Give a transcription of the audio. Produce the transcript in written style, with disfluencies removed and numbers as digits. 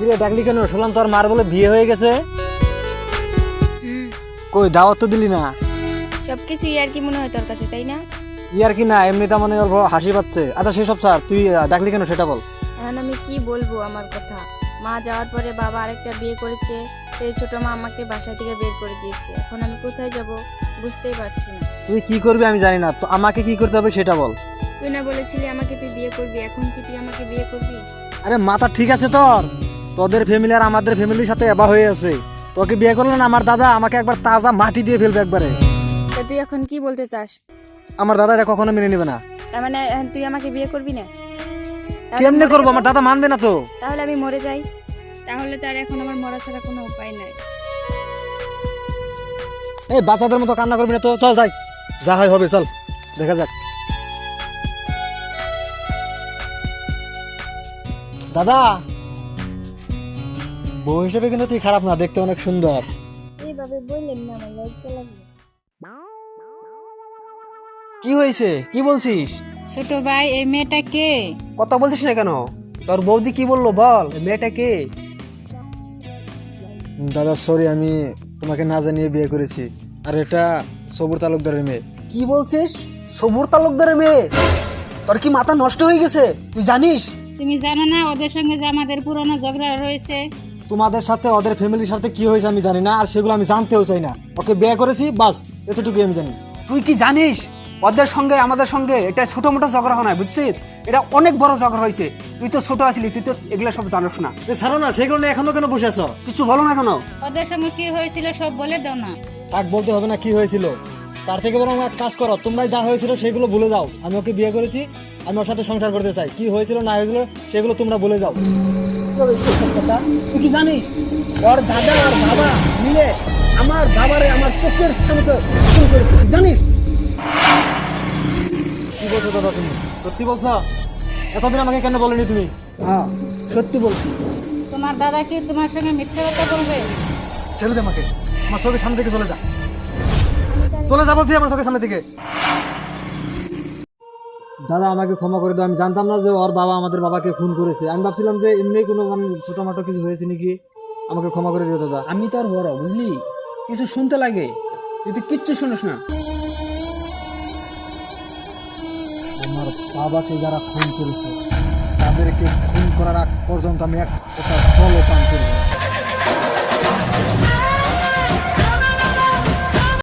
কিরে ডাকলি কেন? শুনলাম তোর মার বলে বিয়ে হয়ে গেছে। হুম, কই দাওয়াত তো দিলি না? সবকিছু আর কি মনে হয় তোর কাছে, তাই না? ইয়ার কি না, এমনি তা মানে অল্প হাসি পাচ্ছে। আচ্ছা সেসব স্যার, তুই ডাকলি কেন সেটা বল। এখন আমি কি বলবো আমার কথা? মা যাওয়ার পরে বাবা আরেকটা বিয়ে করেছে, সেই ছোট মা আমাকে বাসা থেকে বের করে দিয়েছে। এখন আমি কোথায় যাব বুঝতেই পারছি না। তুই কি করবি আমি জানি না, তো আমাকে কি করতে হবে সেটা বল। তুই না বলেছিলি আমাকে তুই বিয়ে করবি, এখন কি তুই আমাকে বিয়ে করবি? আরে মাথা ঠিক আছে তোর? তোদের ফ্যামিলি আর আমাদের ফ্যামিলির সাথে এবা হয়ে আছে। তোকে বিয়ে করলো না আমার দাদা, আমাকে একবার তাজা মাটি দিয়ে ফেলবে একবারে। তা তুই এখন কি বলতে চাস? আমার দাদা এটা কখনো মেনে নেবে না। তার মানে এখন তুই আমাকে বিয়ে করবি না? তাহলে কেমনে মরে করবো? যাবো? আমার দাদা মানবে না তো। তাহলে আমি মরে যাই। তাহলে তার এখন আমার মরা ছাড়া কোনো উপায় নাই। এই বাচ্চাদের মতো কান্না করবি না তো, চল যাই, যা হয় হবে, চল দেখা যাক। দাদা, বউ হিসেবে কিন্তু তুই খারাপ না, দেখতে অনেক সুন্দর। এইভাবে বললেন না, আমার লজ্জা লাগলো। কি হয়েছে? কি বলছিস? ছোট ভাই, এই মেয়েটা কে? কথা বলছিস না কেন? তোর বৌদি কি বললো বল, এই মেয়েটা কে? দাদা সরি, আমি তোমাকে না জানিয়ে বিয়ে করেছি। আর এটা সবুর তালুকদারের মেয়ে। কি বলছিস? সবুর তালুকদারের মেয়ে? তোর কি মাথা নষ্ট হয়ে গেছে? তুই জানিস? তুমি জানো না ওদের সঙ্গে যে আমাদের পুরনো ঝগড়া রয়েছে? তোমাদের সাথে ওদের ফ্যামিলির সাথে কি হয়েছে আমি জানি না, আর সেগুলো আমি জানতেও চাই না। ওকে বিয়ে করেছি, বাস এতটুকুই আমি জানি। তুই কি জানিস ওদের সঙ্গে আমাদের সঙ্গে এটা ছোট মোটো ঝগড়া হয় না, বুঝছিস? এটা অনেক বড় ঝগড়া হয়েছে। তুই তো ছোট আছিলি, তুই তো এগুলা সব জানোস না। ছাড়ো না, সেগুলো নিয়ে এখনো কেন বসে আছো? কিছু বলো না কেন? ওদের সঙ্গে কি হয়েছিল সব বলে দাও না। তাক বলতে হবে না কি হয়েছিল। তার থেকে বরং এক কাজ করো, তোমরা যা হয়েছিল সেগুলো ভুলে যাও। আমি ওকে বিয়ে করেছি, আমি ওর সাথে সংসার করতে চাই। কি হয়েছিল না হয়েছিল সেগুলো তোমরা ভুলে যাও। তুই কি জানিস ওর দাদা আর বাবা মিলে আমার বাবারে আমার চোখের সামনে খুন করেছে, তুই জানিস? কি বলছো দাদা তুমি? সত্যি বলছো? এতদিন আমাকে কেন বলেনি তুমি? হ্যাঁ, সত্যি বলছি। তোমার দাদা কি তোমার সঙ্গে মিথ্যে কথা বলবে? ছেড়ে দে আমাকে, আমার চোখের সামনে থেকে চলে যা। চলে যা বলছি আমার চোখের সামনে থেকে। দাদা আমাকে ক্ষমা করে দাও, আমি জানতাম না যে ওর বাবা আমাদের বাবাকে খুন করেছে। আমি ভাবছিলাম যে এমনি কোনো মানে ছোটখাটো কিছু হয়েছে নাকি। আমাকে ক্ষমা করে দিও দাদা। আমি তো আর বড়, বুঝলি? কিছু শুনতে লাগে, তুই তো কিচ্ছু শুনিস না। আমার বাবাকে যারা খুন করেছে তাদেরকে খুন করার আগ পর্যন্ত আমি এক ফোঁটা জলও পান করব না।